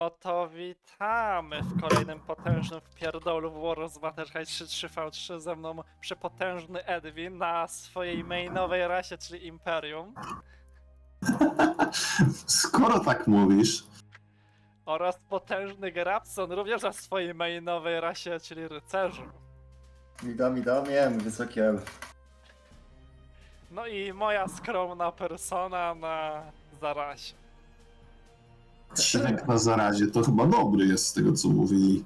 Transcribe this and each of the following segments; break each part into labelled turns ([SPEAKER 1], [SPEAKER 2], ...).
[SPEAKER 1] Oto witamy w kolejnym potężnym wpierdolu w War of Battlefield 3-3v3 ze mną przepotężny Edwin na swojej mainowej rasie, czyli Imperium.
[SPEAKER 2] Skoro tak mówisz,
[SPEAKER 1] Oraz potężny Grabson również na swojej mainowej rasie, czyli Rycerzu.
[SPEAKER 3] Witam, jem, wysoki elf.
[SPEAKER 1] No i moja skromna persona na zarazie.
[SPEAKER 2] Świnek na zarazie to chyba dobry jest z tego co mówili,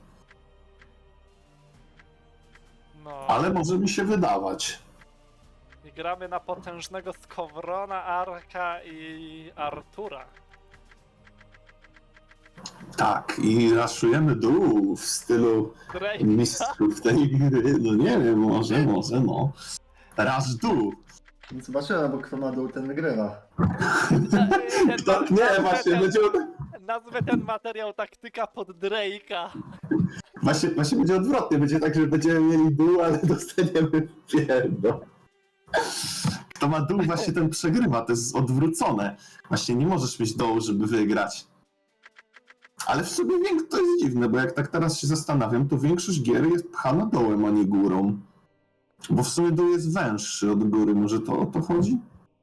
[SPEAKER 1] No
[SPEAKER 2] ale może mi się wydawać.
[SPEAKER 1] i gramy na potężnego Skowrona, Arka i Artura.
[SPEAKER 2] Tak, i raszujemy dół w stylu
[SPEAKER 1] Drake.
[SPEAKER 2] mistrzów tej gry. No nie wiem, może, no. Rasz dół.
[SPEAKER 3] Zobaczymy, bo kto ma dół, ten wygrywa.
[SPEAKER 2] Nie, właśnie,
[SPEAKER 1] Nazwę ten materiał taktyka pod Drake'a.
[SPEAKER 2] właśnie będzie odwrotnie. Będzie tak, że będziemy mieli dół, ale dostaniemy pierdol. Kto ma dół, właśnie ten przegrywa. To jest odwrócone. Właśnie nie możesz mieć dołu, żeby wygrać. Ale w sumie to jest dziwne, bo jak tak teraz się zastanawiam, to większość gier jest pchana dołem, a nie górą. Bo w sumie dół jest węższy od góry, może to o to chodzi?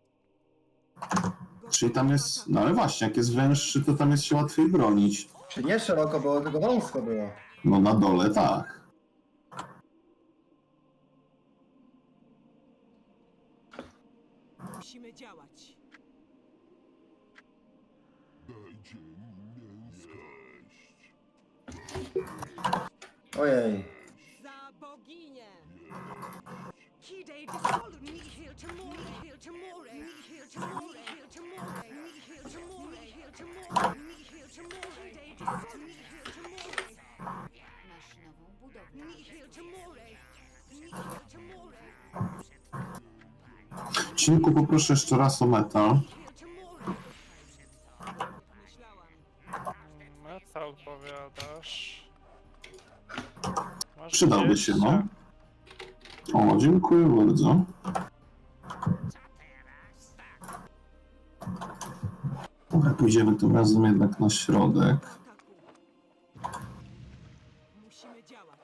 [SPEAKER 2] Czyli tam jest, no ale właśnie, jak jest węższy, to tam jest się łatwiej bronić.
[SPEAKER 3] Czy nie szeroko było, tylko wąsko było.
[SPEAKER 2] No na dole tak.
[SPEAKER 4] Musimy działać.
[SPEAKER 3] Ojej.
[SPEAKER 4] Za boginię!
[SPEAKER 5] Masz nową budowlę.
[SPEAKER 2] Cinku, poproszę jeszcze raz o metal.
[SPEAKER 4] Myślałam.
[SPEAKER 1] No co opowiadasz? Masz
[SPEAKER 2] Przydałby się, no.
[SPEAKER 1] 20.
[SPEAKER 2] O, dziękuję bardzo. Dobra, pójdziemy tym razem jednak na środek.
[SPEAKER 4] Ataku. Musimy działać.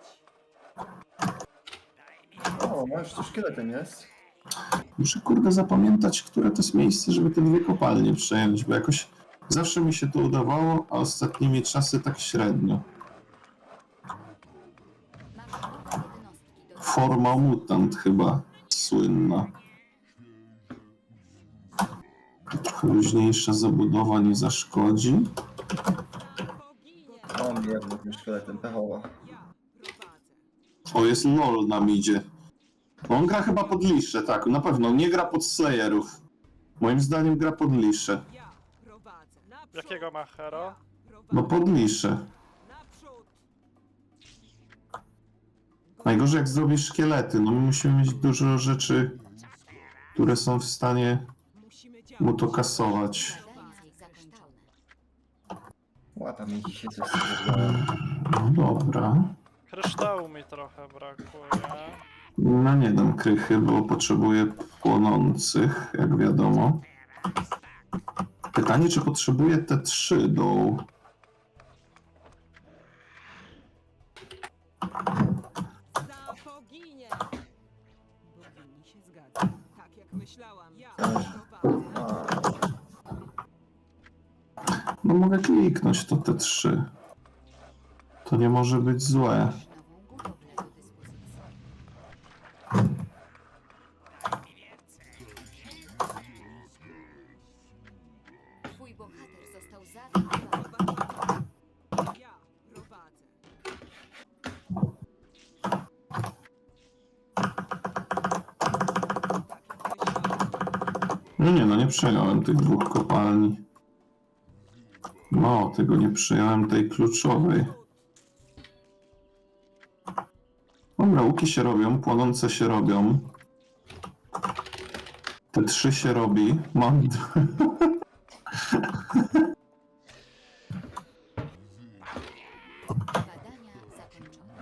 [SPEAKER 3] O, masz tu szkieletem jest.
[SPEAKER 2] Muszę kurde zapamiętać, które to jest miejsce, żeby te dwie kopalnie przejąć, bo jakoś zawsze mi się to udawało, a ostatnimi czasy tak średnio.
[SPEAKER 5] Masz nowe jednostki do
[SPEAKER 2] Forma mutant chyba słynna. Trochę luźniejsza zabudowa nie zaszkodzi.
[SPEAKER 4] Boginię!
[SPEAKER 3] Mam jedno tym szkieletem, pechowo.
[SPEAKER 4] Ja prowadzę.
[SPEAKER 2] O, jest LOL nam idzie. No on gra chyba pod lisze, tak, na pewno. Nie gra pod Slayerów. Moim zdaniem gra pod lisze.
[SPEAKER 4] Ja prowadzę. Naprzód!
[SPEAKER 1] Jakiego ma hero?
[SPEAKER 4] Ja prowadzę.
[SPEAKER 2] No pod lisze.
[SPEAKER 4] Naprzód!
[SPEAKER 2] Najgorzej jak zrobisz szkielety, no my musimy mieć dużo rzeczy, które są w stanie
[SPEAKER 4] Musimy działać.
[SPEAKER 2] mu to kasować.
[SPEAKER 5] zadania zakończone.
[SPEAKER 3] Łata mi dzisiaj coś zrobiła.
[SPEAKER 2] No dobra.
[SPEAKER 1] Kryształu mi trochę brakuje.
[SPEAKER 2] No nie dam krychy, bo potrzebuję płonących, jak wiadomo. Pytanie, czy potrzebuję te 3 do...
[SPEAKER 4] Za boginię! Bogini się zgadza. Tak jak myślałam. Ja prowadzę.
[SPEAKER 2] No mogę kliknąć to te 3. To nie może być złe.
[SPEAKER 5] Masz nową budowlę do dyspozycji. Twój bohater został zaatakowany.
[SPEAKER 4] Ja prowadzę. Tak jak myślałam.
[SPEAKER 2] No nie, no nie przejąłem tych 2 kopalni. No, tego nie przejąłem, tej kluczowej. Dobra, łuki się robią, płonące się robią. Te 3 się robi. Mam...
[SPEAKER 5] Badania zakończone.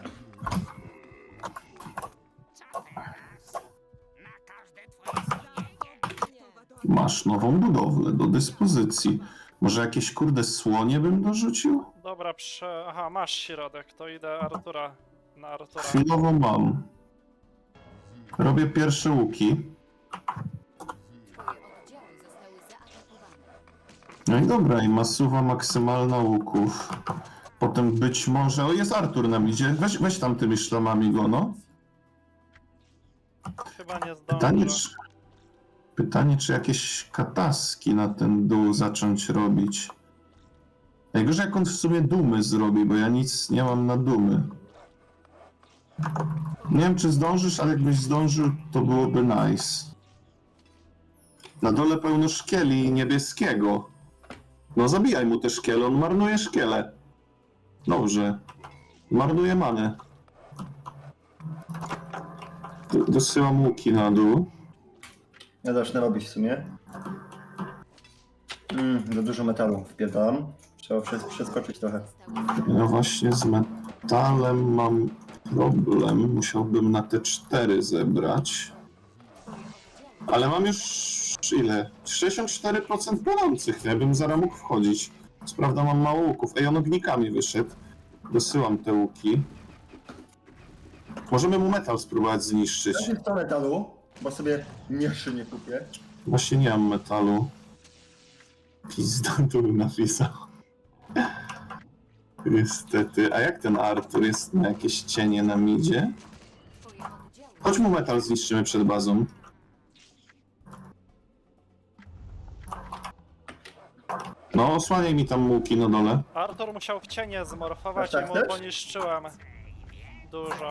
[SPEAKER 2] Masz nową budowlę do dyspozycji. Może jakieś kurde słonie bym dorzucił?
[SPEAKER 1] Dobra. Dobra, aha, masz środek, to idę na Artura.
[SPEAKER 2] Chwilowo mam. Robię pierwsze łuki.
[SPEAKER 5] Twoje oddziały zostały zaatakowane.
[SPEAKER 2] No i dobra, i masuwa maksymalna łuków. Potem być może... O, jest Artur na midzie. Weź tam tymi szlamami go, no.
[SPEAKER 1] Chyba nie
[SPEAKER 2] Pytanie,
[SPEAKER 1] zdążę.
[SPEAKER 2] pytanie, czy jakieś kataski na ten dół zacząć robić. Najgorzej jak on w sumie dumy zrobi, bo ja nic nie mam na dumy. Nie wiem, czy zdążysz, ale jakbyś zdążył, to byłoby nice. Na dole pełno szkieli niebieskiego. No zabijaj mu te szkiele, on marnuje szkiele. Dobrze. Marnuje manę. Dosyłam łuki na dół.
[SPEAKER 3] Ja zacznę robić w sumie. Za dużo metalu wpierdalam. Trzeba przeskoczyć trochę.
[SPEAKER 2] Ja właśnie z metalem mam problem. Musiałbym na te 4 zebrać. Ale mam już ile? 64% płonących. Ja bym zaraz mógł wchodzić. Co prawda mam mało łuków. Ej, on ognikami wyszedł. Dosyłam te łuki. Możemy mu metal spróbować zniszczyć.
[SPEAKER 3] Dajcie 100 metalu, bo sobie mniejszy nie kupię.
[SPEAKER 2] Właśnie nie mam metalu. Pizda tu napisał. Niestety. A jak ten Artur jest na jakieś cienie na midzie?
[SPEAKER 5] Twoje oddziały
[SPEAKER 2] Chodź mu metal zniszczymy przed bazą. No, osłaniaj mi tam łuki na dole.
[SPEAKER 1] Artur musiał w cienie zmorfować
[SPEAKER 3] Tak
[SPEAKER 1] i mu
[SPEAKER 3] też?
[SPEAKER 1] poniszczyłem dużo.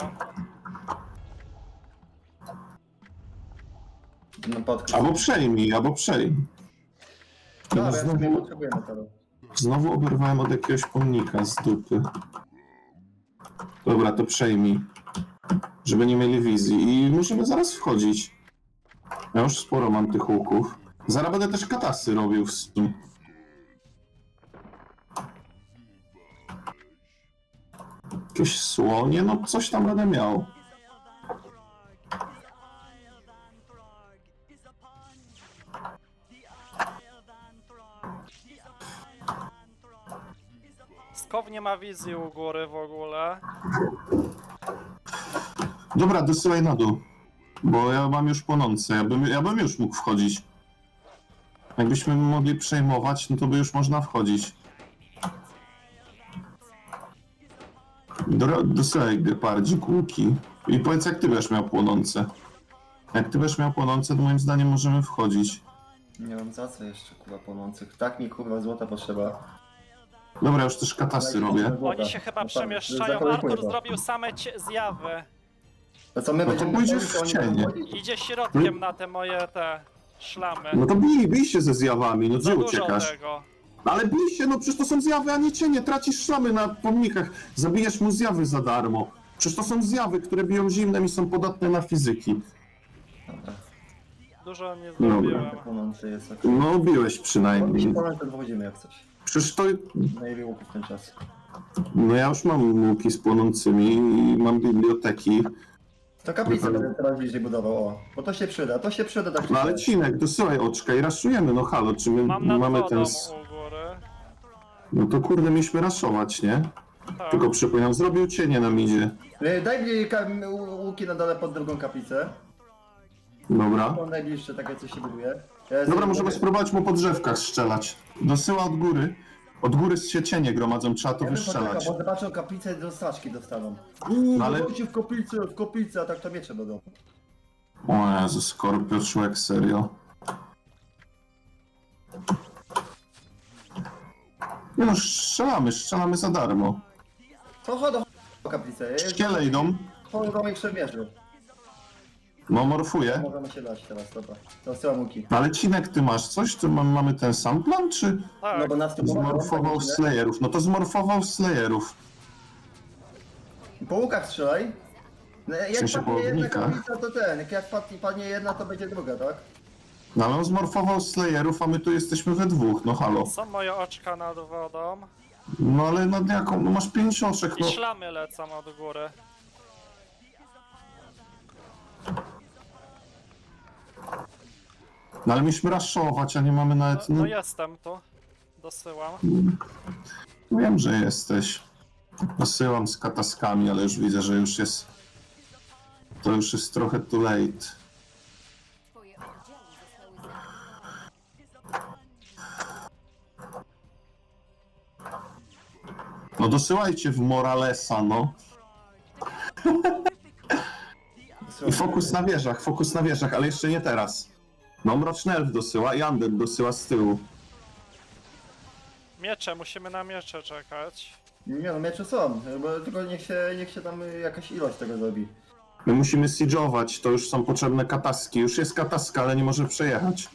[SPEAKER 3] No podkreśl.
[SPEAKER 2] Albo przejmij, albo przejmij.
[SPEAKER 3] Dobra, ja sobie
[SPEAKER 2] Znowu,
[SPEAKER 3] potrzebuję metalu.
[SPEAKER 2] znowu oberwałem od jakiegoś pomnika z dupy. Dobra, to przejmij. Żeby nie mieli wizji. I musimy zaraz wchodzić. Ja już sporo mam tych łuków. Zaraz będę też katasy robił w sumie. Jakieś słonie? No coś tam będę miał.
[SPEAKER 1] Skow nie ma wizji u góry w ogóle.
[SPEAKER 2] Dobra, dosyłaj na dół. Bo ja mam już płonące. Ja bym już mógł wchodzić. Jakbyśmy mogli przejmować, no to by już można wchodzić. Dosyłaj gepardzik łuki. I powiedz, jak ty będziesz miał płonące. Jak ty będziesz miał płonące, to moim zdaniem możemy wchodzić.
[SPEAKER 3] Nie mam za co jeszcze kurwa płonących. Tak mi kurwa złota potrzeba.
[SPEAKER 2] Dobra, już też katasy robię.
[SPEAKER 1] Oni się chyba przemieszczają. Artur zrobił same zjawy.
[SPEAKER 3] To co my
[SPEAKER 2] No to
[SPEAKER 3] będziemy
[SPEAKER 2] pójdziesz
[SPEAKER 3] robić, to
[SPEAKER 2] w
[SPEAKER 3] oni
[SPEAKER 2] cienie.
[SPEAKER 3] będą chodzić?
[SPEAKER 1] Idzie środkiem na te moje szlamy.
[SPEAKER 2] No to bij się ze zjawami, no
[SPEAKER 1] Za
[SPEAKER 2] gdzie
[SPEAKER 1] dużo
[SPEAKER 2] uciekasz?
[SPEAKER 1] tego.
[SPEAKER 2] Ale bij się, no przecież to są zjawy, a nie cienie. Tracisz szlamy na pomnikach. Zabijesz mu zjawy za darmo. Przecież to są zjawy, które biją zimnem i są podatne na fizyki.
[SPEAKER 3] Dobra.
[SPEAKER 1] Dużo nie
[SPEAKER 2] Dobra.
[SPEAKER 1] zrobiłem.
[SPEAKER 3] Płonący jest ok.
[SPEAKER 2] No biłeś przynajmniej.
[SPEAKER 3] Płonący to wchodzimy jak coś.
[SPEAKER 2] Przecież to...
[SPEAKER 3] Najlepiej łuki w ten czas.
[SPEAKER 2] No ja już mam łuki z płonącymi i mam biblioteki.
[SPEAKER 3] To kaplicę będę teraz bliżej budował, o. Bo to się przyda tak
[SPEAKER 2] No ale Cinek, dosyłaj oczka i raszujemy, no halo, czy my
[SPEAKER 1] Mam nad
[SPEAKER 2] mamy
[SPEAKER 1] wodą
[SPEAKER 2] ten...
[SPEAKER 1] u góry.
[SPEAKER 2] No to kurde, mieliśmy raszować, nie?
[SPEAKER 1] Tak.
[SPEAKER 2] Tylko przypominam, zrobił cienie na midzie.
[SPEAKER 3] Daj mi łuki na dole pod drugą kaplicę.
[SPEAKER 2] Dobra.
[SPEAKER 3] To najbliższe takie co się buduje.
[SPEAKER 2] Dobra, możemy spróbować mu po drzewkach strzelać. Dosyła od góry. Od góry się cienie gromadzą, trzeba to wystrzelać.
[SPEAKER 3] Bo zobaczą kaplicę i do straczki dostaną.
[SPEAKER 2] No ale-
[SPEAKER 3] Chodźcie w koplicę, a tak to miecze będą.
[SPEAKER 2] O Jezu, Skorpio, człowiek, serio. Nie no, strzelamy za darmo.
[SPEAKER 3] To chodź do kaplicę.
[SPEAKER 2] Szkiele idą.
[SPEAKER 3] Chodź do moich przemierzy.
[SPEAKER 2] No, morfuję.
[SPEAKER 3] Możemy się dać teraz, dobra. Dosyłam łuki.
[SPEAKER 2] Ale Cinek, ty masz coś? Czy mamy ten sam plan, czy
[SPEAKER 1] Tak.
[SPEAKER 3] No bo nas tu
[SPEAKER 2] zmorfował Slayerów? No to zmorfował Slayerów.
[SPEAKER 3] Po łukach strzelaj. No, jak
[SPEAKER 2] sensie po
[SPEAKER 3] padnie jedna
[SPEAKER 2] ognikach?
[SPEAKER 3] kaplica, to ten. Jak padnie jedna, to będzie druga, tak?
[SPEAKER 2] No ale on zmorfował Slayerów, a my tu jesteśmy we dwóch, no halo.
[SPEAKER 1] Są moje oczka nad wodą.
[SPEAKER 2] No ale nad jaką? No masz 5 oczek,
[SPEAKER 1] I
[SPEAKER 2] no.
[SPEAKER 1] szlamy lecą od góry.
[SPEAKER 2] No ale mieliśmy raszować, a nie mamy nawet...
[SPEAKER 1] No
[SPEAKER 2] No,
[SPEAKER 1] jestem tu. Dosyłam.
[SPEAKER 2] Wiem, że jesteś. Posyłam z kataskami, ale już widzę, że już jest... To już jest trochę too late.
[SPEAKER 5] Twoje oddziały zostały zaatakowane.
[SPEAKER 2] No dosyłajcie w Moralesa, no. I fokus na wieżach, ale jeszcze nie teraz. No Mroczny Elf dosyła i Undead dosyła z tyłu.
[SPEAKER 1] Miecze, musimy na miecze czekać.
[SPEAKER 3] Nie no, miecze są, bo tylko niech się tam jakaś ilość tego zrobi.
[SPEAKER 2] My musimy siege'ować, to już są potrzebne kataski. Już jest kataska, ale nie może przejechać.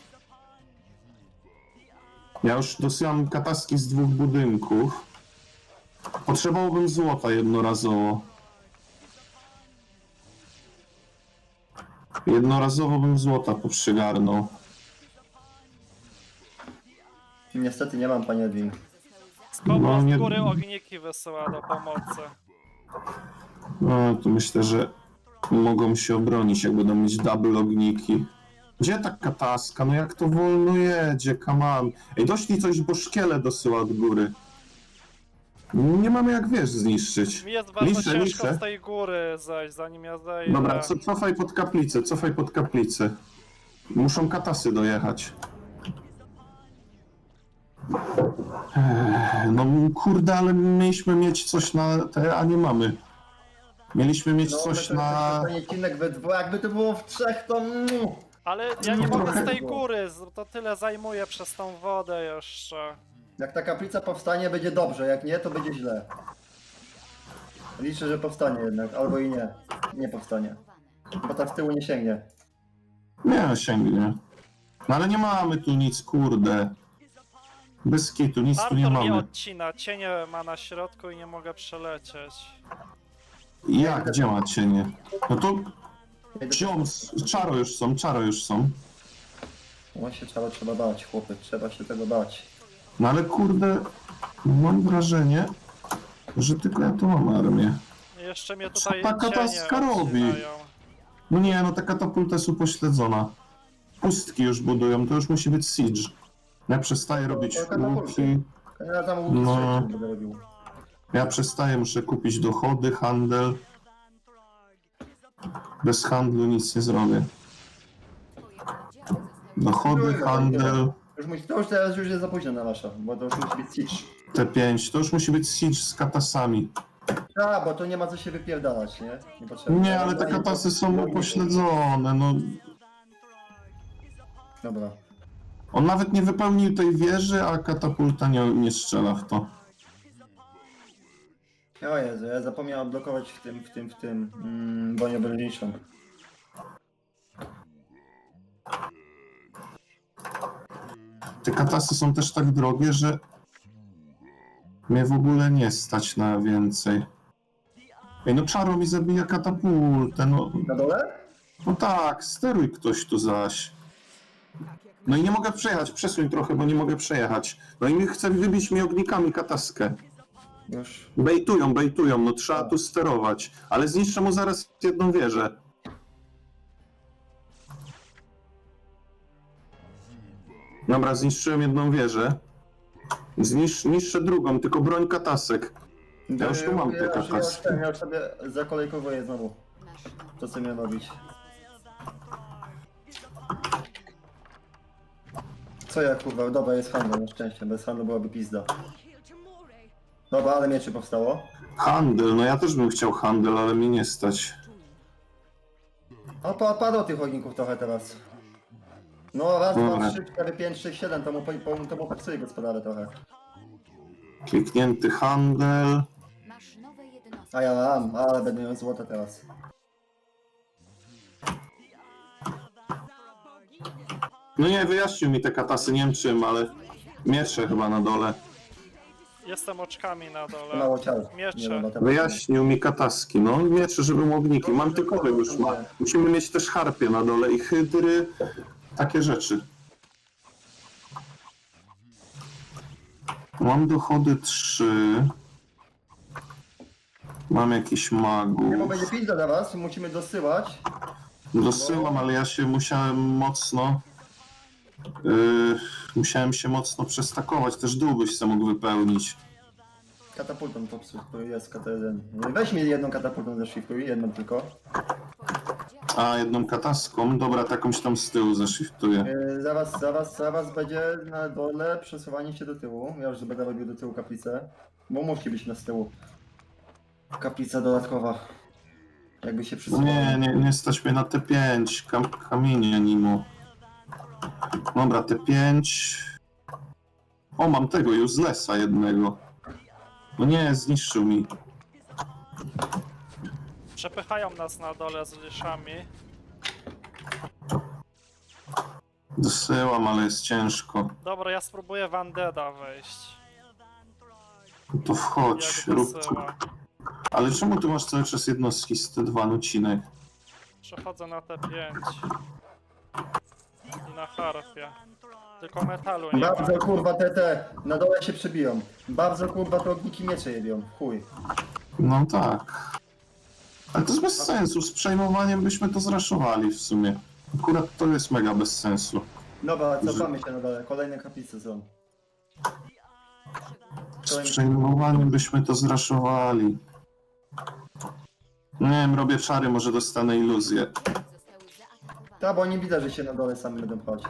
[SPEAKER 2] Ja już dosyłam kataski z 2 budynków. Potrzebowałbym złota jednorazowo. Jednorazowo bym złota poprzygarnął.
[SPEAKER 3] Niestety nie mam, panie Edwin.
[SPEAKER 1] Skąd
[SPEAKER 2] No,
[SPEAKER 1] z
[SPEAKER 2] nie-
[SPEAKER 1] góry ogniki wysyła do pomocy?
[SPEAKER 2] No, to myślę, że mogą się obronić, jak będą mieć double ogniki. Gdzie ta kataska? No jak to wolno jedzie, come on. Ej, doślij coś, bo szkiele dosyła od góry. Nie mamy jak wież zniszczyć.
[SPEAKER 1] Mi jest bardzo ciężko
[SPEAKER 2] Niszczę.
[SPEAKER 1] z tej góry zejść, zanim ja zejdę.
[SPEAKER 2] Dobra, cofaj pod kaplicę, cofaj pod kaplicę. Muszą katasy dojechać. No kurde, ale mieliśmy mieć coś na te, a nie mamy. Mieliśmy mieć coś na...
[SPEAKER 3] Panie Cinek we dwóch, jakby to było w trzech, to...
[SPEAKER 1] Ale ja nie
[SPEAKER 2] No
[SPEAKER 1] mogę z
[SPEAKER 2] trochę
[SPEAKER 1] tej
[SPEAKER 3] było.
[SPEAKER 1] góry, to tyle zajmuje przez tą wodę jeszcze.
[SPEAKER 3] Jak ta kaplica powstanie, będzie dobrze, jak nie, to będzie źle. Liczę, że powstanie jednak, albo i nie. Nie powstanie. Bo ta z tyłu nie sięgnie.
[SPEAKER 2] Nie, sięgnie. No ale nie mamy tu nic, kurde. Bez kitu, nic tu nie
[SPEAKER 1] Artur mnie
[SPEAKER 2] mamy.
[SPEAKER 1] odcina, cienie ma na środku i nie mogę przelecieć.
[SPEAKER 2] Jak? Gdzie ma cienie? No to... Ziom, czaro już są.
[SPEAKER 3] Właśnie trzeba bać, chłopy, trzeba się tego bać.
[SPEAKER 2] No ale kurde, mam wrażenie, że tylko ja tu mam armię.
[SPEAKER 1] I jeszcze mnie tutaj
[SPEAKER 2] Co ta
[SPEAKER 1] cienie
[SPEAKER 2] kataska robi?
[SPEAKER 1] odcinają.
[SPEAKER 2] No nie, no ta katapulta jest upośledzona. Pustki już budują, to już musi być siege. Ja przestaję robić
[SPEAKER 3] to katapulty.
[SPEAKER 2] łuki.
[SPEAKER 3] Ja tam łuki
[SPEAKER 2] No.
[SPEAKER 3] strzelić będę robił.
[SPEAKER 2] Ja przestaję, muszę kupić dochody, handel. Bez handlu nic nie zrobię.
[SPEAKER 5] Twoje oddziały zostały
[SPEAKER 2] Dochody, handel,
[SPEAKER 3] To już teraz już jest za późno na wasza, bo to już musi być siege.
[SPEAKER 2] T5, to już musi być siege z katasami.
[SPEAKER 3] A, bo to nie ma co się wypierdalać, nie? Niepotrzebnie.
[SPEAKER 2] Nie, ale te katasy są upośledzone, no.
[SPEAKER 3] Dobra.
[SPEAKER 2] On nawet nie wypełnił tej wieży, a katapulta nie strzela w to.
[SPEAKER 3] O Jezu, ja zapomniałem odblokować w tym bronię obręczniczą.
[SPEAKER 2] Te katasy są też tak drogie, że mnie w ogóle nie stać na więcej. Ej, no czaro mi zabija katapultę, no.
[SPEAKER 3] Na dole?
[SPEAKER 2] No tak, steruj ktoś tu zaś. No i nie mogę przejechać, przesuń trochę, bo nie mogę przejechać. No i chce wybić mi ognikami kataskę.
[SPEAKER 3] Już.
[SPEAKER 2] Bejtują, no trzeba tu sterować. Ale zniszczę mu zaraz jedną wieżę. Dobra, zniszczyłem jedną wieżę. Niszczę drugą, tylko broń katasek. Ja już tu mam te kataski.
[SPEAKER 3] Ja już sobie zakolejkowuję znowu
[SPEAKER 5] nasz nowy
[SPEAKER 3] to, co miałem robić. Co ja kurwa, dobra, jest handel na szczęście, bez handlu byłaby pizda. Dobra, ale mieczy powstało.
[SPEAKER 2] Handel, no ja też bym chciał handel, ale mnie nie stać.
[SPEAKER 3] O, padło tych ogników trochę teraz. No raz,
[SPEAKER 2] Dobra.
[SPEAKER 3] dwa, trzy, cztery, pięć, sześć, siedem, to mu popsuje gospodarę trochę.
[SPEAKER 2] Kliknięty handel.
[SPEAKER 5] masz nowe jednostki.
[SPEAKER 3] A ja mam, ale będę miał złote teraz.
[SPEAKER 2] No nie, wyjaśnił mi te katasy, nie wiem czym, ale miecze chyba na dole.
[SPEAKER 1] Jestem oczkami na dole.
[SPEAKER 3] Mało ciał.
[SPEAKER 1] Miecze.
[SPEAKER 3] Nie wiem, na temat.
[SPEAKER 2] Wyjaśnił mi kataski, no miecze, żeby ogniki. Mantykowy już ma. Musimy mieć też harpie na dole i hydry, takie rzeczy. Mam dochody 3. Mam jakiś
[SPEAKER 3] Nie, bo
[SPEAKER 2] magów.
[SPEAKER 3] będzie pizda dla was, musimy dosyłać.
[SPEAKER 2] Dosyłam, ale ja się musiałem mocno... musiałem się mocno przestakować, też dół byś se mógł wypełnić.
[SPEAKER 3] Katapultą popsuć, to jest KT1. Weź mi jedną katapultą zashiftuj, jedną tylko.
[SPEAKER 5] Twoje oddziały
[SPEAKER 2] A, jedną kataską. Dobra, takąś tam z tyłu zashiftuję.
[SPEAKER 3] Zaraz będzie na dole przesuwanie się do tyłu. Ja już będę robił do tyłu kaplicę. Bo musi być na z tyłu. Kaplica dodatkowa. Jakby się przesuwało.
[SPEAKER 2] Nie stać mnie na T5. Kamienie nimo. Dobra, T5. O, mam tego uselessa jednego. No nie, zniszczył mi.
[SPEAKER 1] Przepychają nas na dole z liszami.
[SPEAKER 2] Dosyłam, ale jest ciężko.
[SPEAKER 1] Dobra, ja spróbuję w Undeada wejść.
[SPEAKER 2] No to wchodź,
[SPEAKER 1] Jak
[SPEAKER 2] rób.
[SPEAKER 1] dosyła.
[SPEAKER 2] Ale czemu tu masz cały czas jednostki z T2 nucinek?
[SPEAKER 1] Przechodzę na T5. I na harpie. Tylko metalu nie ma.
[SPEAKER 3] Bardzo kurwa te na dole się przebiją. Bardzo kurwa te ogniki miecze jebią. Chuj.
[SPEAKER 2] No tak. Ale to jest bez sensu. Z przejmowaniem byśmy to zraszowali w sumie. Akurat to jest mega bez sensu.
[SPEAKER 3] Dobra, cofamy się na dole. Kolejne kaplice są.
[SPEAKER 2] Z przejmowaniem byśmy to zraszowali. Nie wiem, robię czary, może dostanę iluzję.
[SPEAKER 5] zostały zaatakowane.
[SPEAKER 3] Ta, bo nie widać, że się na dole sami będą pchać.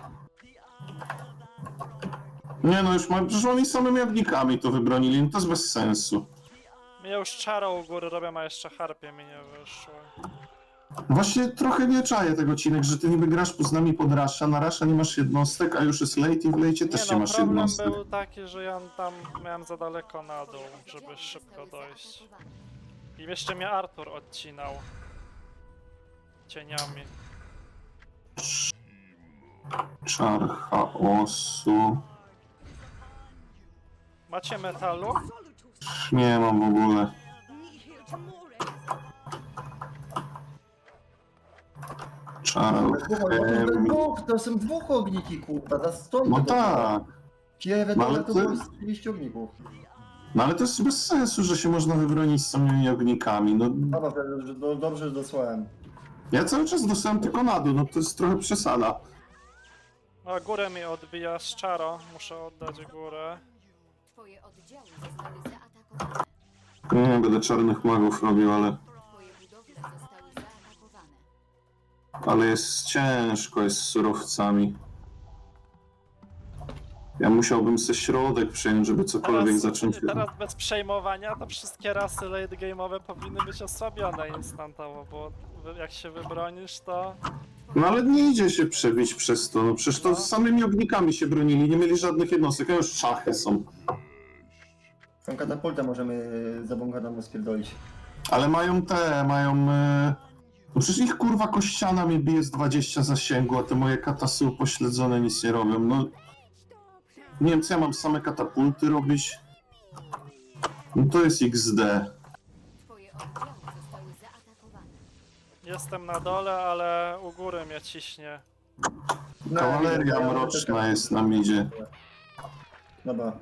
[SPEAKER 2] Nie no, już mam, przecież oni samymi ognikami to wybronili, no to jest bez sensu.
[SPEAKER 1] Mnie już czaro u góry robią, a jeszcze harpie mi nie wyszło.
[SPEAKER 2] Właśnie trochę nie czaję tego odcinek, że ty niby grasz z nami pod Rasha, na Rasha nie masz jednostek, a już jest late i w lejcie też nie
[SPEAKER 1] Nie no,
[SPEAKER 2] masz
[SPEAKER 1] problem
[SPEAKER 2] jednostek.
[SPEAKER 1] był taki, że ja tam miałem za daleko na dół, żeby szybko dojść. I jeszcze mnie Artur odcinał. Cieniami.
[SPEAKER 2] Czar chaosu.
[SPEAKER 1] Macie metalu?
[SPEAKER 2] Nie mam w ogóle. Czar chemii.
[SPEAKER 3] To są dwóch ogniki kurwa, za stoi.
[SPEAKER 2] No tak.
[SPEAKER 3] Kiewe
[SPEAKER 2] No ale
[SPEAKER 3] dole to
[SPEAKER 2] to-
[SPEAKER 3] było 30 ogników.
[SPEAKER 2] No ale to jest bez sensu, że się można wybronić z samymi ognikami. No,
[SPEAKER 3] Dobra, dobrze, że dosłałem.
[SPEAKER 2] ja cały czas dostałem tylko na dół, no to jest trochę przesada.
[SPEAKER 1] No górę mi odbija z czaro, muszę oddać górę.
[SPEAKER 5] Twoje oddziały zostały zaatakowane.
[SPEAKER 2] Nie będę czarnych magów robił, ale...
[SPEAKER 5] Twoje budowle zostały zaatakowane.
[SPEAKER 2] Ale jest ciężko, jest z surowcami. Ja musiałbym se środek przejąć, żeby cokolwiek zacząć...
[SPEAKER 1] teraz bez przejmowania to wszystkie rasy late game'owe powinny być osłabione instantowo, bo jak się wybronisz to...
[SPEAKER 2] No ale nie idzie się przebić przez to, no przecież to z samymi ognikami się bronili, nie mieli żadnych jednostek, a już szachy są.
[SPEAKER 3] Tą katapultę możemy za bąkaną spierdolić.
[SPEAKER 2] Ale mają... No przecież ich kurwa kościana mnie bije z 20 zasięgu, a te moje katasy upośledzone nic nie robią, no... Nie wiem co ja mam, same katapulty robić? No to jest XD.
[SPEAKER 5] Twoje oddziały zostały zaatakowane.
[SPEAKER 1] Jestem na dole, ale u góry mnie ciśnie.
[SPEAKER 3] No,
[SPEAKER 2] Kawaleria
[SPEAKER 3] ja-
[SPEAKER 2] mroczna jest na midzie.
[SPEAKER 3] Dobra.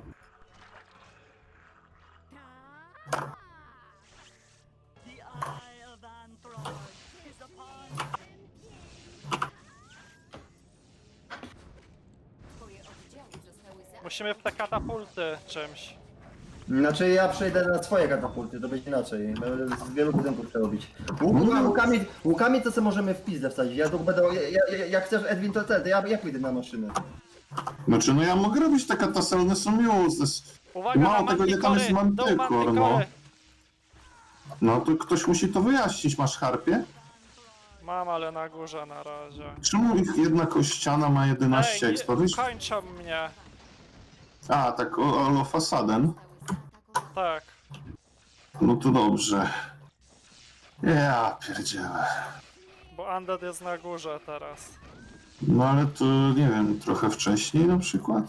[SPEAKER 5] Twoje oddziały zostały zaatakowane.
[SPEAKER 1] Musimy w te katapulty czymś.
[SPEAKER 3] Znaczy ja przejdę na swoje katapulty, to będzie inaczej. Z wielu budynków trzeba robić. Łukami to co możemy w pizdę wsadzić. Ja tu będę. Jak chcesz Edwin to ja pójdę na maszynę.
[SPEAKER 2] Znaczy no ja mogę robić te katasy, ale one są useless.
[SPEAKER 1] Uwaga
[SPEAKER 2] Mało
[SPEAKER 1] na
[SPEAKER 2] tego, nie tam jest
[SPEAKER 1] mantikory! Dół
[SPEAKER 2] mantykor, no.
[SPEAKER 1] mantikory!
[SPEAKER 2] No to ktoś musi to wyjaśnić, masz harpie?
[SPEAKER 1] Mam, ale na górze na razie.
[SPEAKER 2] Czemu ich jedna kościana ma 11
[SPEAKER 1] Ej,
[SPEAKER 2] expa? Wiesz?
[SPEAKER 1] kończą mnie.
[SPEAKER 2] A, tak, o fasaden.
[SPEAKER 1] Tak.
[SPEAKER 2] No to dobrze. Ja pierdzielę.
[SPEAKER 1] Bo Undead jest na górze teraz.
[SPEAKER 2] No ale to, nie wiem, trochę wcześniej na przykład?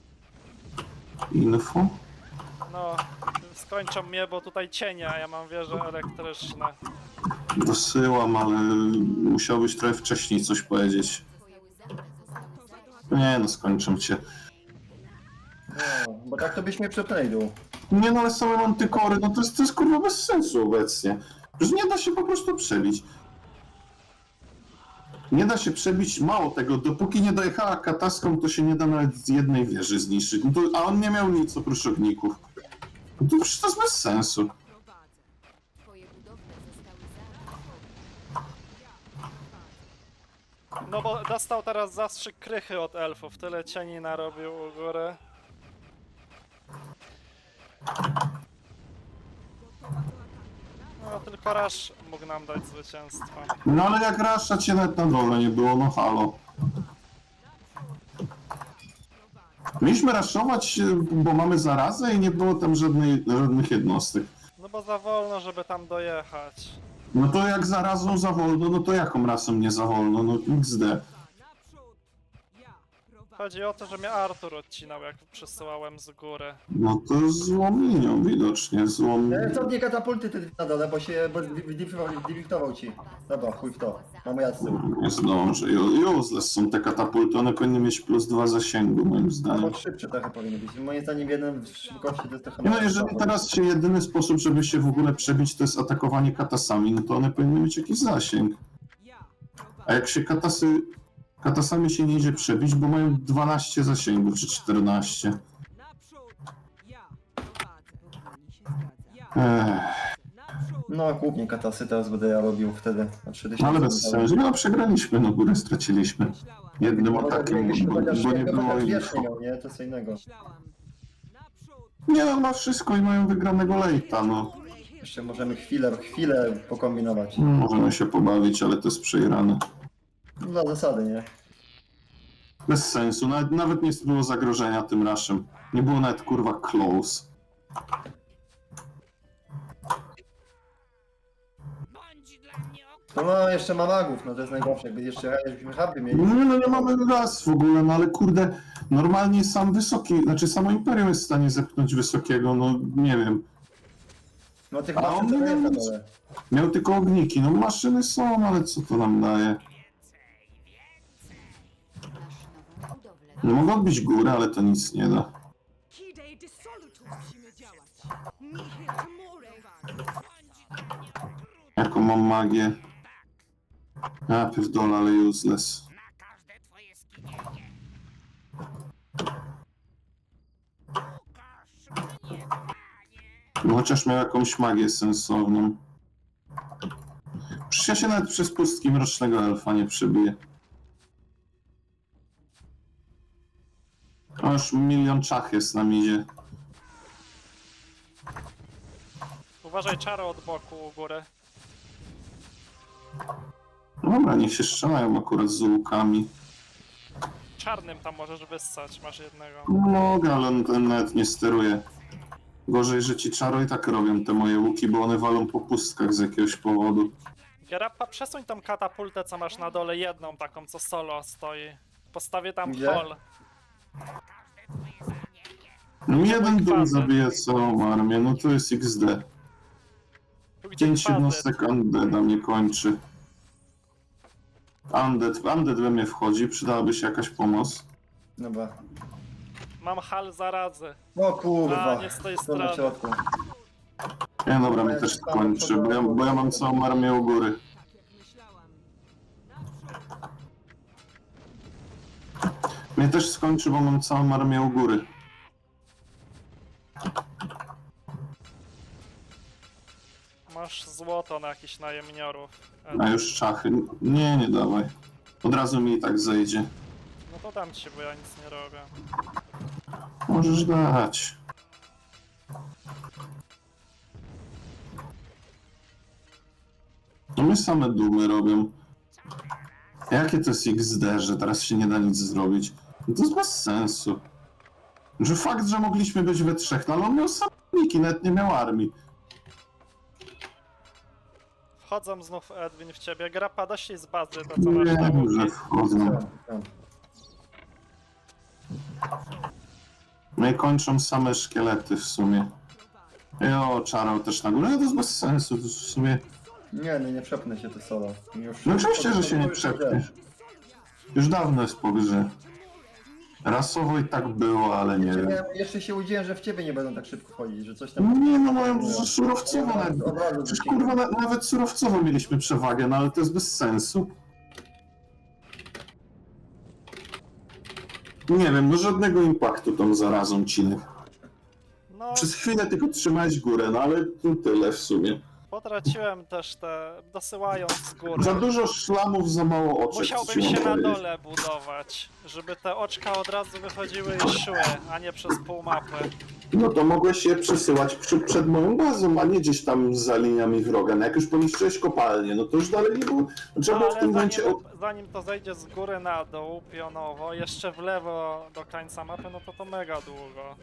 [SPEAKER 2] Info?
[SPEAKER 1] No, skończą mnie, bo tutaj cienie, a ja mam wieże elektryczne.
[SPEAKER 2] Dosyłam, ale musiałbyś trochę wcześniej coś powiedzieć.
[SPEAKER 5] Twoje zaatakowane.
[SPEAKER 2] Nie no, skończę cię.
[SPEAKER 3] No, bo tak to byś mnie przepnęli dół.
[SPEAKER 2] Nie no, ale same mantykory, no to jest kurwa bez sensu obecnie. Już nie da się po prostu przebić. Nie da się przebić, mało tego, dopóki nie dojechała kataską, to się nie da nawet z jednej wieży zniszczyć. No to, a on nie miał nic oprócz ogników. No to przecież to jest bez sensu.
[SPEAKER 4] Prowadzę.
[SPEAKER 5] Twoje budowle zostały zaatakowane.
[SPEAKER 1] No bo dostał teraz zastrzyk krychy od elfów, tyle cieni narobił u góry. No tylko Rush mógł nam dać zwycięstwo.
[SPEAKER 2] No ale jak Rasza cię nawet na dole nie było, no halo. Mieliśmy raszować, bo mamy zarazę i nie było tam żadnych jednostek.
[SPEAKER 1] No bo za wolno, żeby tam dojechać.
[SPEAKER 2] No to jak zarazą za wolno, no to jaką rasą nie za wolno? No XD.
[SPEAKER 4] Naprzód. Ja prowadzę.
[SPEAKER 1] Chodzi o to, że mnie Artur odcinał, jak przesyłałem z góry.
[SPEAKER 2] No to złą linią widocznie, złą...
[SPEAKER 3] Cofnij katapulty ty na dole, bo dywiktował ci. Dobra, chuj w to. Mamy jasny.
[SPEAKER 2] Nie zdążę. Useless są te katapulty, one powinny mieć +2 zasięgu moim zdaniem.
[SPEAKER 3] Albo szybsze trochę powinny być. Moim zdaniem jeden w szybkości to jest trochę...
[SPEAKER 2] No jeżeli teraz się jedyny sposób, żeby się w ogóle przebić, to jest atakowanie katasami, no to one powinny mieć jakiś zasięg.
[SPEAKER 4] Ja
[SPEAKER 2] A jak się katasami się nie idzie przebić, bo mają 12 zasięgów, czy 14.
[SPEAKER 4] Naprzód. Ja prowadzę. Powinni się zgadzać. Ja. Naprzód.
[SPEAKER 3] No głównie katasy teraz będę ja robił wtedy na 3000.
[SPEAKER 2] No ale bez sensu. No przegraliśmy, no górę straciliśmy.
[SPEAKER 4] Myślałam.
[SPEAKER 2] Jednym
[SPEAKER 3] No,
[SPEAKER 2] atakiem,
[SPEAKER 3] jakbyśmy
[SPEAKER 2] bo
[SPEAKER 3] chociaż
[SPEAKER 2] nie było
[SPEAKER 3] chociaż
[SPEAKER 2] ich.
[SPEAKER 3] wiecznie miał, nie? To co innego.
[SPEAKER 4] Myślałam. Naprzód.
[SPEAKER 2] Nie no, ma wszystko i mają wygranego lejta, no.
[SPEAKER 3] Jeszcze możemy chwilę pokombinować.
[SPEAKER 2] Możemy się pobawić, ale to jest przegrane.
[SPEAKER 3] No, dla zasady, nie?
[SPEAKER 2] Bez sensu, nawet nie było zagrożenia tym raszem. Nie było nawet kurwa close.
[SPEAKER 3] No jeszcze ma magów, no to jest najgorsze. Jakby jakbyśmy hubby mieli.
[SPEAKER 2] No nie mamy raz w ogóle, no ale kurde, normalnie sam wysoki, znaczy samo Imperium jest w stanie zepchnąć wysokiego, no nie wiem.
[SPEAKER 3] No tych
[SPEAKER 2] A
[SPEAKER 3] maszyn
[SPEAKER 2] on
[SPEAKER 3] to
[SPEAKER 2] nie
[SPEAKER 3] nie jest na
[SPEAKER 2] wiem,
[SPEAKER 3] dole.
[SPEAKER 2] Miał tylko ogniki, no maszyny są, ale co to nam daje?
[SPEAKER 5] Masz nową budowlę.
[SPEAKER 2] No mogą odbić górę, ale to nic nie da.
[SPEAKER 4] Kidej dissolutus. Musimy działać. Nihil timore.
[SPEAKER 2] Jaką mam magię? A, pierdolę, ale useless. No chociaż miał jakąś magię sensowną. Przecież ja się nawet przez pustki mrocznego elfa nie przebiję. O, już milion czach jest na midzie.
[SPEAKER 1] Uważaj, czaro od boku u góry.
[SPEAKER 2] Dobra, niech się strzelają akurat z łukami.
[SPEAKER 1] Czarnym tam możesz wyssać, masz jednego.
[SPEAKER 2] Mogę, ale on ten nawet nie steruje. Gorzej, że ci czaro i tak robią te moje łuki, bo one walą po pustkach z jakiegoś powodu.
[SPEAKER 1] Gerappa, przesuń tą katapultę, co masz na dole, jedną taką, co solo stoi. Postawię tam
[SPEAKER 3] Gdzie?
[SPEAKER 1] hol.
[SPEAKER 2] No jeden dół
[SPEAKER 1] kwadrant.
[SPEAKER 2] zabija całą armię, no to jest XD.
[SPEAKER 1] Tu gdzie
[SPEAKER 2] 5
[SPEAKER 1] kwadrant.
[SPEAKER 2] jednostek Undeada mnie kończy. Undead we mnie wchodzi, przydałaby się jakaś pomoc.
[SPEAKER 3] Dobra.
[SPEAKER 1] Mam hal zarazy.
[SPEAKER 3] O kurwa.
[SPEAKER 1] A, nie z tej
[SPEAKER 3] To na
[SPEAKER 1] strony.
[SPEAKER 3] środku.
[SPEAKER 2] Nie, dobra, mnie też kończy, bo ja mam całą armię u góry.
[SPEAKER 4] Tak jak myślałam. Naprzód.
[SPEAKER 2] Mnie też skończy, bo mam całą armię u góry.
[SPEAKER 1] Masz złoto na jakichś najemniorów.
[SPEAKER 2] A już czachy. Nie, nie dawaj. Od razu mi i tak zejdzie.
[SPEAKER 1] No to dam ci, bo ja nic nie robię.
[SPEAKER 2] Możesz dać. No mnie same dumy robią. Jakie to jest XD, że teraz się nie da nic zrobić? No to jest bez sensu. Że fakt, że mogliśmy być we trzech, no ale on miał samniki, nawet nie miał armii.
[SPEAKER 1] Wchodzą znów Edwin w ciebie. Grappa, dość z bazy, to co masz na
[SPEAKER 2] Wiem,
[SPEAKER 1] łuki.
[SPEAKER 2] że wchodzą. No i kończą same szkielety w sumie. Jo, czarał też na górę, no to jest bez sensu, to w sumie...
[SPEAKER 3] Nie przepnę się to solo. Już,
[SPEAKER 2] No oczywiście, że się nie przepniesz. Już dawno jest po grze. Rasowo i tak było, ale nie wiem.
[SPEAKER 3] Jeszcze się udziałem, że w ciebie nie będą tak szybko wchodzić, że coś tam...
[SPEAKER 2] Nie no, mają surowcowo nawet.
[SPEAKER 3] Od razu
[SPEAKER 2] Przecież
[SPEAKER 3] wyciągnę.
[SPEAKER 2] kurwa, nawet surowcowo mieliśmy przewagę, no ale to jest bez sensu. Nie wiem, no żadnego impaktu tą zarazą cinek.
[SPEAKER 1] No,
[SPEAKER 2] Przez chwilę tylko trzymałeś górę, no ale to tyle w sumie.
[SPEAKER 1] potraciłem też te, dosyłając z góry.
[SPEAKER 2] Za dużo szlamów, za mało oczek.
[SPEAKER 1] Musiałbym
[SPEAKER 2] ci mam
[SPEAKER 1] się na
[SPEAKER 2] powiedzieć.
[SPEAKER 1] dole budować, żeby te oczka od razu wychodziły i szły, a nie przez pół mapy.
[SPEAKER 2] No to mogłeś je przesyłać przed moją bazą, a nie gdzieś tam za liniami wroga. No jak już poniszczyłeś kopalnię, no to już dalej nie było. Trzeba było w
[SPEAKER 1] Ale
[SPEAKER 2] tym momencie...
[SPEAKER 1] zanim to zejdzie z góry na dół, pionowo, jeszcze w lewo do końca mapy, no to mega długo.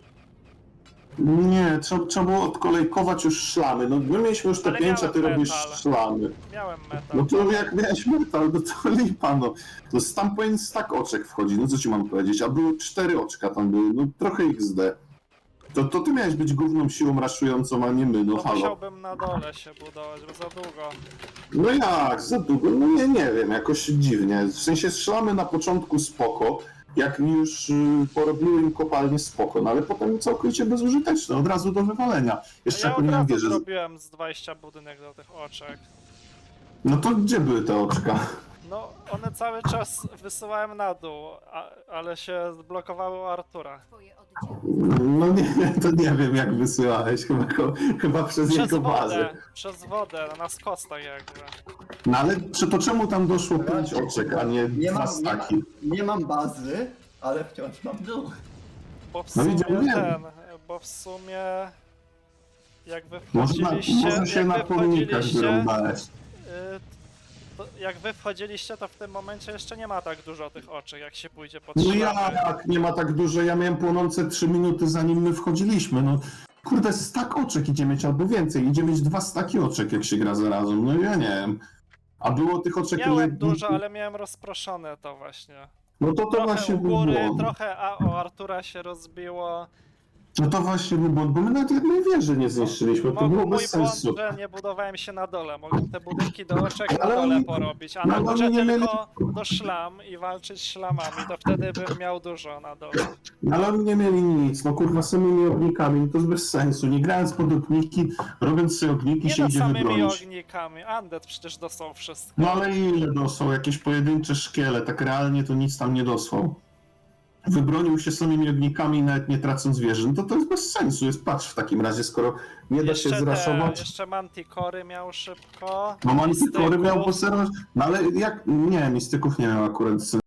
[SPEAKER 2] Nie, trzeba było odkolejkować już szlamy. No my mieliśmy już te
[SPEAKER 1] Ale
[SPEAKER 2] 5, a ty
[SPEAKER 1] miałem
[SPEAKER 2] robisz
[SPEAKER 1] metal.
[SPEAKER 2] szlamy.
[SPEAKER 1] Miałem metal.
[SPEAKER 2] No to jak miałeś metal, no to lipa, no. No tam powinien stack oczek wchodzi, no co ci mam powiedzieć, a było 4 oczka tam były, no trochę XD. To ty miałeś być główną siłą raszującą, a nie my, no
[SPEAKER 1] To
[SPEAKER 2] halo.
[SPEAKER 1] musiałbym na dole się budować, bo za długo.
[SPEAKER 2] No jak, za długo? No nie wiem, jakoś dziwnie. W sensie szlamy na początku spoko, jak już porobiły im kopalnie spoko, no ale potem całkowicie bezużyteczne, od razu do wywalenia. Jeszcze
[SPEAKER 1] Ja
[SPEAKER 2] jak
[SPEAKER 1] od
[SPEAKER 2] nie
[SPEAKER 1] razu
[SPEAKER 2] wierzę.
[SPEAKER 1] zrobiłem z 20 budynek do tych oczek.
[SPEAKER 2] No to gdzie były te oczka?
[SPEAKER 1] No, one cały czas wysyłałem na dół, ale się zblokowały u Artura.
[SPEAKER 5] Twoje oddziały
[SPEAKER 2] No nie, to nie wiem jak wysyłałeś, chyba przez
[SPEAKER 1] Przez
[SPEAKER 2] jego bazę.
[SPEAKER 1] wodę, na skostach jakby.
[SPEAKER 2] No ale to czemu tam doszło 5 oczek, a nie
[SPEAKER 3] Nie
[SPEAKER 2] 2
[SPEAKER 3] mam,
[SPEAKER 2] staki?
[SPEAKER 3] nie mam bazy, ale wciąż mam dół.
[SPEAKER 1] Bo w
[SPEAKER 2] No
[SPEAKER 1] sumie
[SPEAKER 2] widziałem.
[SPEAKER 1] bo w sumie jak wy
[SPEAKER 2] Może
[SPEAKER 1] wchodziliście,
[SPEAKER 2] się na pomnikach wyrąbałeś.
[SPEAKER 1] jak wy wchodziliście, to w tym momencie jeszcze nie ma tak dużo tych oczek, jak się pójdzie pod
[SPEAKER 2] No
[SPEAKER 1] szlamy.
[SPEAKER 2] jak, nie ma tak dużo, ja miałem płonące 3 minuty zanim my wchodziliśmy, no. Kurde, stak oczek idzie mieć albo więcej, idzie mieć 2 staki oczek jak się gra zarazem, no ja nie wiem. A było tych oczek...
[SPEAKER 1] Miałem dużo, ale miałem rozproszone to właśnie.
[SPEAKER 2] No to
[SPEAKER 1] Trochę
[SPEAKER 2] właśnie
[SPEAKER 1] u
[SPEAKER 2] był
[SPEAKER 1] góry,
[SPEAKER 2] błąd.
[SPEAKER 1] trochę o Artura się rozbiło.
[SPEAKER 2] No to właśnie był błąd, bo my nawet jednej wieży nie zniszczyliśmy, to było
[SPEAKER 1] Mój
[SPEAKER 2] bez
[SPEAKER 1] błąd,
[SPEAKER 2] sensu.
[SPEAKER 1] że nie budowałem się na dole. Mogłem te budynki do oczek na
[SPEAKER 2] Ale
[SPEAKER 1] dole
[SPEAKER 2] oni-
[SPEAKER 1] porobić, a
[SPEAKER 2] no
[SPEAKER 1] na
[SPEAKER 2] ale
[SPEAKER 1] górze
[SPEAKER 2] oni nie mieli-
[SPEAKER 1] tylko do szlam i walczyć szlamami, to wtedy bym miał dużo na dole.
[SPEAKER 2] No ale oni nie mieli nic, no kurwa samymi ognikami, no to jest bez sensu. Nie grając pod ogniki, robiąc sobie ogniki
[SPEAKER 1] Nie
[SPEAKER 2] się
[SPEAKER 1] no,
[SPEAKER 2] idzie
[SPEAKER 1] samymi
[SPEAKER 2] wybronić.
[SPEAKER 1] ognikami. Undead przecież dostał wszystko.
[SPEAKER 2] No ale ile dosłał? Jakieś pojedyncze szkiele, tak realnie to nic tam nie dosłał. Wybronił się samymi ognikami, nawet nie tracąc wieży. No to jest bez sensu, jest patch w takim razie, skoro nie da się zraszować.
[SPEAKER 1] Jeszcze Manticory miał szybko.
[SPEAKER 2] No Manticory miał
[SPEAKER 1] Mistyków.
[SPEAKER 2] poserować, no ale jak, nie, mistyków nie miał akurat,